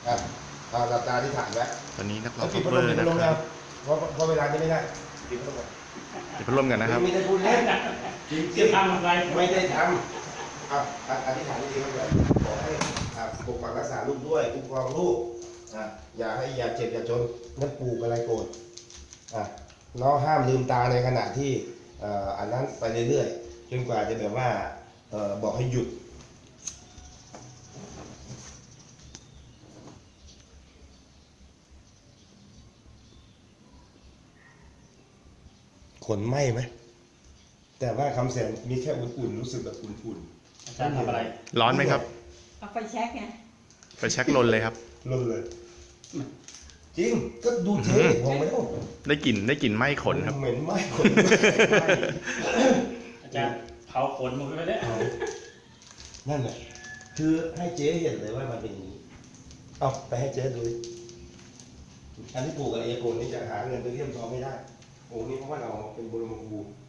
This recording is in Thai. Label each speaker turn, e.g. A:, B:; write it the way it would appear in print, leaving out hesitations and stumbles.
A: หลับตาที่ฐานไว้
B: ตอนนี้นักร้อ
A: แล้ว
B: ง
A: ปิด
B: คั
A: พั
B: ฟ
A: ด
B: เว
A: ล
B: อ
A: ม
B: ร์
A: ปิดพัดลม
B: นะค
A: แล้
B: รั
A: ว
B: บ
A: เพราะเวลาจะไม่ได้ปิดพัดลมก่อน
B: ปิดพัดลมกันนะครับ
A: ไม่ได้พูดเล่นจริง
C: จะทำอะไร
A: ไม่ได้ทำอธิษฐานดีๆครับขอให้ปกปักรักษาลูกด้วยคุ้มครองลูกอย่าเจ็บอย่าจนนั่นปลูกอะไรโกรธน้องห้ามลืมตาในขณะที่อันนั้นไปเรื่อยๆจนกว่าจะแบบว่าบอกให้หยุดขนไหมไหมแต่ว่าคำแสนมีแค่อุ่นๆรู้สึกแบบอุ่น
C: อาจารย์ทำอะไร
B: ร้อนไหมครับ
D: เอาไฟแช็กไง
B: ไปเช็คลนเลยครับ
A: ๆลนเลย จริงก็ดูเท่มองไม่ต้อง
B: ได้กลิ่นไหม้ขนครับ
A: เหม็นไหมขนไหม้
C: อาจารย์เผาขนหมดไปแล้ว
A: นั่นแหละคือให้เจ๊เห็นเลยว่ามันเป็นอย่างนี้เอาไปให้เจ๊ดูดิอันที่ปลูกกับเอโกนนี่จะหาเงินไปเลี่ยมทองไม่ได้โอ้นี่เพราะว่าเราเป็นบรมครู